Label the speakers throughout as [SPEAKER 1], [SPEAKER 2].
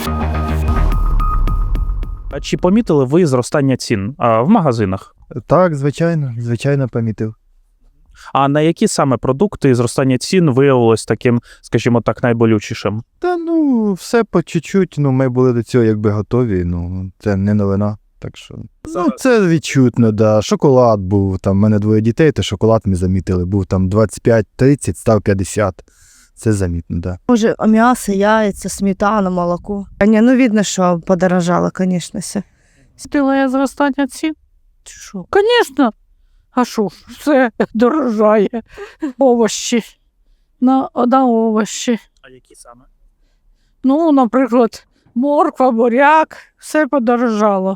[SPEAKER 1] А чи помітили ви зростання цін в магазинах?
[SPEAKER 2] Так, звичайно помітив.
[SPEAKER 1] А на які саме продукти зростання цін виявилось таким, скажімо так, найболючішим?
[SPEAKER 2] Та все по чуть-чуть, ми були до цього якби готові, це не новина. Так що, це відчутно, да. Шоколад був, там, в мене 2 дітей, то шоколад ми замітили, був там 25-30, став 50. Це замітно, да.
[SPEAKER 3] Може, м'ясо, яйця, сметана, молоко. Видно, що подорожало, звісно, все.
[SPEAKER 4] Стилає зростання цін? Чи що? Звісно. А що ж, все дорожає. Овощі. На овощі.
[SPEAKER 1] А які саме?
[SPEAKER 4] Наприклад, морква, буряк, все подорожало.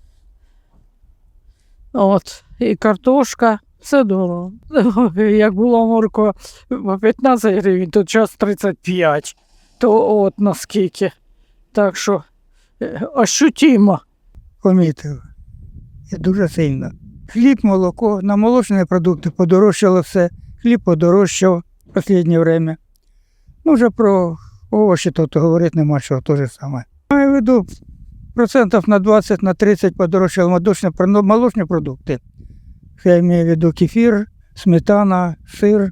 [SPEAKER 4] І картошка, все дорого. Як була морква по 15 гривень, то час 35. То наскільки. Так що, ощутимо.
[SPEAKER 5] Помітив. І дуже сильно. Хліб, молоко, на молочні продукти подорожчало все. Хліб подорожчав в останнє время. Вже про овочі тут говорити нема чого, те ж саме. Маю в виду, процентів на 20, на 30 подорожчали молочні продукти. Я маю в виду кефір, сметана, сир.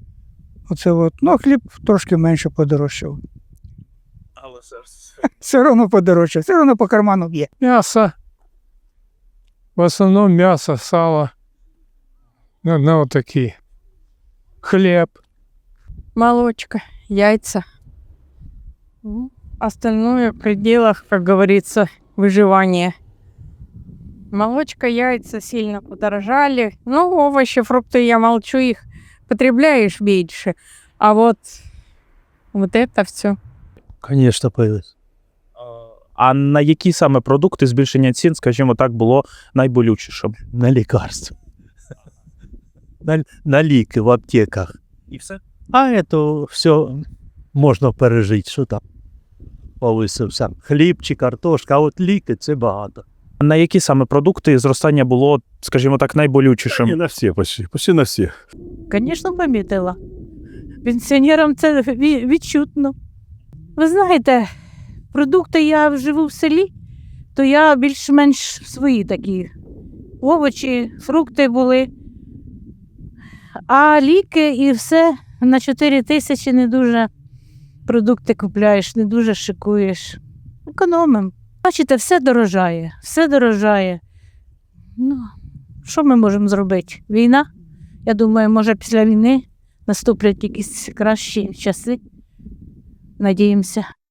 [SPEAKER 5] Хліб трошки менше подорожчав.
[SPEAKER 1] Але
[SPEAKER 5] Все одно подорожчав, все одно по карману б'є.
[SPEAKER 6] Мясо. В основном мясо, сало. Вот такие. Хлеб.
[SPEAKER 4] Молочка, яйца. Остальное в пределах, как говорится, выживания. Молочка, яйца сильно подорожали. Овощи, фрукты, я молчу, их потребляешь меньше. А вот это все.
[SPEAKER 7] Конечно, появилось.
[SPEAKER 1] А на які саме продукти збільшення цін, скажімо так, було найболючішим?
[SPEAKER 7] На лекарства. На ліки в аптеках.
[SPEAKER 1] І все?
[SPEAKER 7] А это все можна пережити, що там повисився. Хліб чи картошка, а от ліки – це багато.
[SPEAKER 1] На які саме продукти зростання було, скажімо так, найболючішим?
[SPEAKER 8] Не на всі, почти на всі.
[SPEAKER 4] Звісно, помітила. Пенсіонерам це відчутно. Ви знаєте, продукти я живу в селі, то я більш-менш свої такі. Овочі, фрукти були. А ліки і все на 4 тисячі не дуже продукти купляєш, не дуже шикуєш. Економимо. Бачите, все дорожає, все дорожає. Що ми можемо зробити? Війна? Я думаю, може після війни наступлять якісь кращі часи. Надіємося.